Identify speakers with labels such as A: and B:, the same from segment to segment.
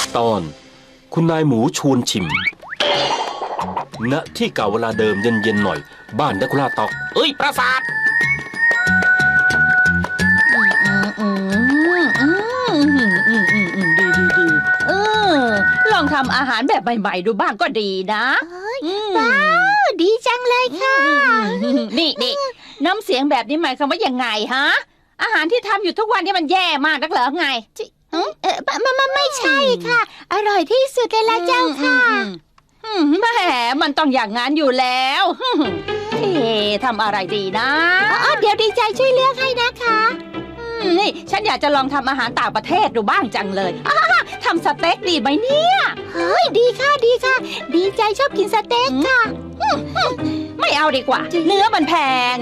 A: ตอนคุณนายหมูชวนชิมณที่เก่าเวลาเดิมเย็นๆหน่อยบ้านดักคุล่าตอกเอ้ยปราสาท
B: ดีลองทำอาหารแบบใหม่ๆดูบ้างก็ดีนะ
C: ว้าวดีจังเลยค่ะ
B: นี่น้ำเสียงแบบนี้หมายความว่ายังไงฮะอาหารที่ทำอยู่ทุกวันนี่มันแย่มากนักเหรอไง
C: ไม่ใช่ค่ะ อร่อยที่สุดเลยละเจ้าค่ะ
B: แหมมันต้องอย่างงั้นอยู่แล้วทำอะไรดีนะ
C: เดี๋ยวดีใจช่วยเลือกให้นะคะ
B: นี่ฉันอยากจะลองทำอาหารต่างประเทศดูบ้างจังเลยทำสเต็กดีไหมเนี่ย
C: เฮ้ยดีค่ะดีใจชอบกินสเต็กค่ะ
B: ไม่เอาดีกว่าเนื้อมันแพง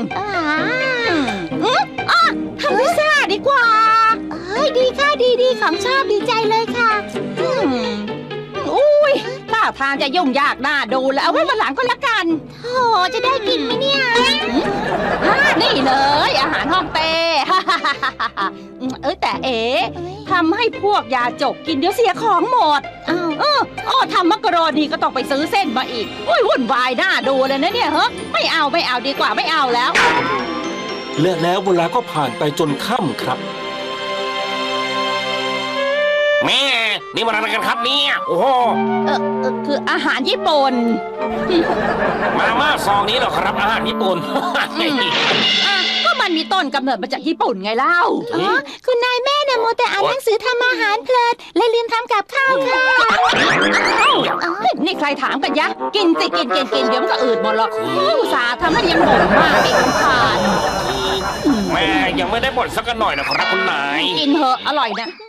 B: ทำพิซซ่าดีกว่า
C: ดีค่ะดีของชอบดีใจเลยค่ะ
B: อุ้ยท่าทางจะยุ่งยากน่าดูแล้วเอาไว้วันหลังก็แล้วกัน
C: โอ้จะได้กินไหมเนี่ย
B: นี่เลยอาหารฮ่องเต้แต่ทำให้พวกยาจกกินเดี๋ยวเสียของหมดทำมักกะโรนีก็ต้องไปซื้อเส้นมาอีกวุ่นวายน่าดูเลยนะเนี่ยไม่เอาดีกว่าไม่เอาแล้ว
A: และแล้วเวลาก็ผ่านไปจนค่ำครับ
D: แม่นี่มันอะไรกันครับเนี่ยโอ้โห
B: คืออาหารญี่ปุ่น
D: มาม่าซองนี้เหรอครับอาหารญี่ปุ่น
B: ก็มันมีต้นกำเนิดมาจากญี่ปุ่นไงเล่า
C: คุณนายแม่เนี่ยโมแต่อ่านหนังสือทำอาหารเพลินเลยลืมทำกับข้าวค่ะ
B: นี่ใครถามกันยะกินสิกินเดี๋ยวมันก็อืดหมดหรอกอุตส่าห์ทำให้ยังบ่นมากอีกผ่าน
D: แม่ยังไม่ได้บ่นสักหน่อยนะครับคุณนาย
B: กินเหอะอร่อยนะ